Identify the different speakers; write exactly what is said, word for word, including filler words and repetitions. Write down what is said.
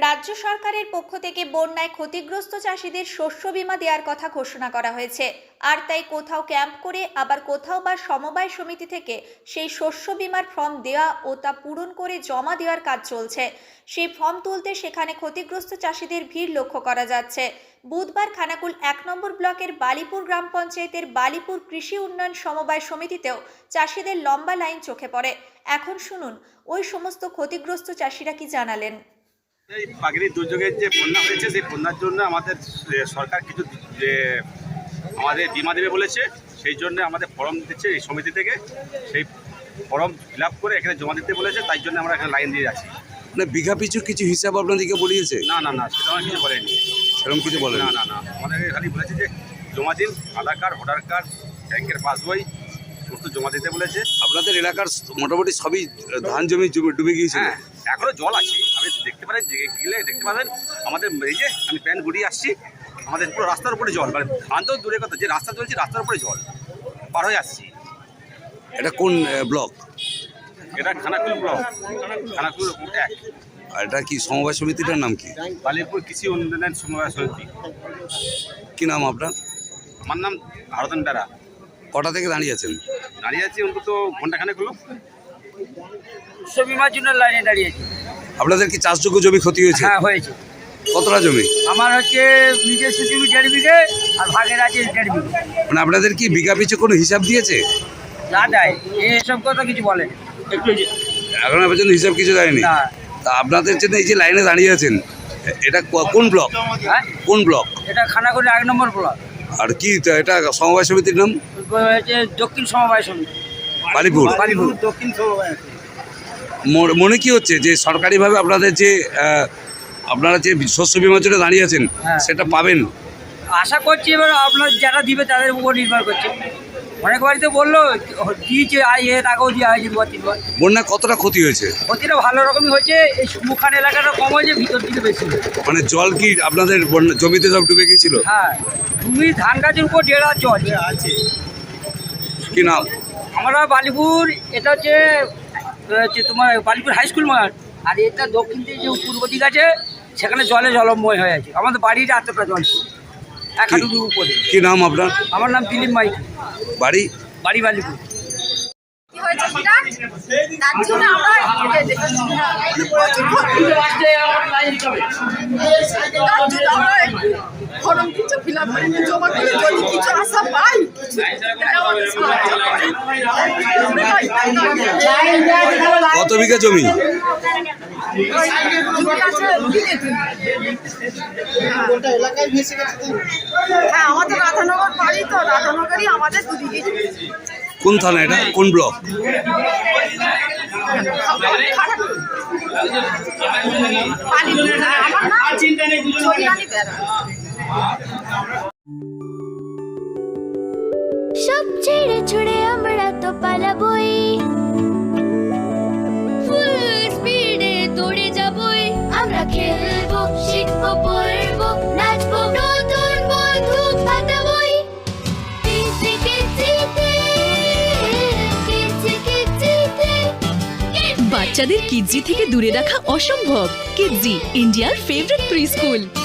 Speaker 1: রাজ্য সরকারের পক্ষ থেকে বন্যায় ক্ষতিগ্রস্ত চাষীদের শস্য বীমা দেওয়ার কথা ঘোষণা করা হয়েছে। আর তাই কোথাও ক্যাম্প করে আবার কোথাও বা সমবায় সমিতি থেকে সেই শস্য বীমার ফর্ম দেওয়া ও তা পূরণ করে জমা দেওয়ার কাজ চলছে। সেই ফর্ম তুলতে সেখানে ক্ষতিগ্রস্ত চাষীদের ভিড় লক্ষ্য করা যাচ্ছে। বুধবার খানাকুল এক নম্বর ব্লকের বালিপুর গ্রাম পঞ্চায়েতের বালিপুর কৃষি উন্নয়ন সমবায় সমিতিতেও চাষীদের লম্বা লাইন চোখে পড়ে। এখন শুনুন ওই সমস্ত ক্ষতিগ্রস্ত চাষীরা কি জানালেন।
Speaker 2: এই প্রাকৃতিক দুর্যোগের যে বন্যা হয়েছে সেই বন্যার জন্য আমাদের সরকার কিছু যে আমাদের বিমা দেবে বলেছে, সেই জন্য আমাদের ফর্ম দিচ্ছে এই সমিতি থেকে। সেই ফর্ম ফিল আপ করে এখানে জমা দিতে বলেছে, তাই জন্য আমরা এখানে লাইন দিয়ে যাচ্ছি।
Speaker 3: মানে বিঘা পিছু কিছু হিসাব আপনাদেরকে বলিয়েছে?
Speaker 2: না না না সেটা আমার কিছু বলেনি।
Speaker 3: সেরকম কিছু বলেন?
Speaker 2: না না না আমাদেরকে খালি বলেছে যে জমা দিন, আধার কার্ড, ভোটার কার্ড, ব্যাংকের পাসবই সমস্ত জমা দিতে বলেছে।
Speaker 3: আপনাদের এলাকার মোটামুটি সবই ধান জমি ডুবে গিয়েছে?
Speaker 2: হ্যাঁ, এখনো জল আছে, আপনি দেখতে পারেন, গেলে দেখতে পাবেন। আমাদের এই যে আমি প্যান্ট ঘুরিয়ে আসছি, আমাদের পুরো রাস্তার উপরে জল, মানে ধান তো দূরের কথা, যে রাস্তা চলছে রাস্তার উপরে জল, পার হয়ে আসছি।
Speaker 3: এটা কোন ব্লক?
Speaker 2: এটা খানাকুল ব্লক, খানাকুল এক।
Speaker 3: আর এটা কি সমবায় সমিতিটার নাম কি?
Speaker 2: বালিপুর কৃষি উন্নয়ন সমবায় সমিতি।
Speaker 3: কি নাম আপনার?
Speaker 2: আমার নাম ভারতন বেড়া।
Speaker 3: কটা থেকে দাঁড়িয়ে আছেন?
Speaker 2: দাঁড়িয়ে আছি অন্তত ঘন্টাখানেক হলো।
Speaker 4: শস্য বিমার জন্য লাইনে দাঁড়িয়েছি।
Speaker 3: আপনাদের কি চাষযোগ্য জমি ক্ষতি হয়েছে?
Speaker 4: হ্যাঁ হয়েছে।
Speaker 3: কতটা জমি?
Speaker 4: আমার হচ্ছে নিজস্ব জমি দেড় বিঘে আর ভাগের আছে দেড় বিঘে।
Speaker 3: মানে আপনাদের কি বিঘা পিছু কোনো হিসাব দিয়েছে?
Speaker 4: না দেয়, এসব কথা কিছু বলে একটু।
Speaker 3: এখনো পর্যন্ত হিসাব কিছু দেয়নি?
Speaker 4: না।
Speaker 3: তা আপনাদের জন্য এই যে লাইনে দাঁড়িয়ে আছেন, এটা কোন ব্লক?
Speaker 4: হ্যাঁ,
Speaker 3: কোন ব্লক?
Speaker 4: এটা খানাকুল এক নম্বর ব্লক।
Speaker 3: আর কি এটা সমবায় সমিতির নাম?
Speaker 4: হচ্ছে দক্ষিণ সমবায় সমিতি
Speaker 3: বালিপুর।
Speaker 4: বালিপুর দক্ষিণ সমবায়।
Speaker 3: মনে- মনে কি হচ্ছে যে সরকারিভাবে আপনাদের যে আহ, আপনারা যে শস্য বিমার জন্য দাঁড়িয়ে আছেন
Speaker 4: হ্যাঁ।
Speaker 3: সেটা পাবেন?
Speaker 4: আশা করছি, এবার আপনার যারা দিবে তাদের উপর নির্ভর করছে। অনেক বাড়িতে বললো দিয়েছে, আই এর আগেও দেওয়া হয়েছে দুবার তিনবার।
Speaker 3: বন্যা কতটা ক্ষতি হয়েছে?
Speaker 4: ক্ষতিটা ভালো রকমই হয়েছে। এই মুখান এলাকাটা কম হয়েছে, ভিতর দিকে বেশি।
Speaker 3: মানে জল কি আপনাদের বন্যা- জমিতে সব ডুবে গিয়েছিল?
Speaker 4: হ্যাঁ, তুমি ধান গাছের উপর দেড় হাত জল আছে।
Speaker 3: কি নাম?
Speaker 4: আমরা বালিপুর, এটা হচ্ছে হচ্ছে তোমার বালিপুর হাই স্কুল মাঠ। আর এটা দক্ষিণ দিকে যে পূর্ব দিক আছে, সেখানে জলে জলময় হয়ে আছে। আমাদের বাড়িটা এতটা জল, এক হাঁটুর উপরে।
Speaker 3: কি নাম আপনার?
Speaker 4: আমার নাম দিলীপ মাইতি,
Speaker 3: বাড়ি?
Speaker 4: বাড়ি বালিপুর।
Speaker 5: কি হয়েছে সেটা তার জন্য আমরা তার জন্য আমরা ফর্ম কিছু ফিল আপ করে জমা করে যদি কিছু আশা পাই,
Speaker 3: কত বিঘা জমি?
Speaker 5: হ্যাঁ, আমাদের রাধানগর বাড়ি, তো রাধানগরই আমাদের দুদিকে।
Speaker 3: কোন থানা এটা? কোন ব্লক?
Speaker 6: সব ছেড়ে ছুড়ে আমরা তো পালাবই, ফুল স্পিডে দৌড়ে যাবই। আমরা খেলবো, শিখবো, পড়বো, নাচবো, নতুন বন্ধু পাতাবই। কিচি কিচিতে, কিচি কিচিতে।
Speaker 7: বাচ্চাদের কিডজি থেকে দূরে রাখা অসম্ভব। কিডজি, ইন্ডিয়ার ফেভারিট প্রি স্কুল।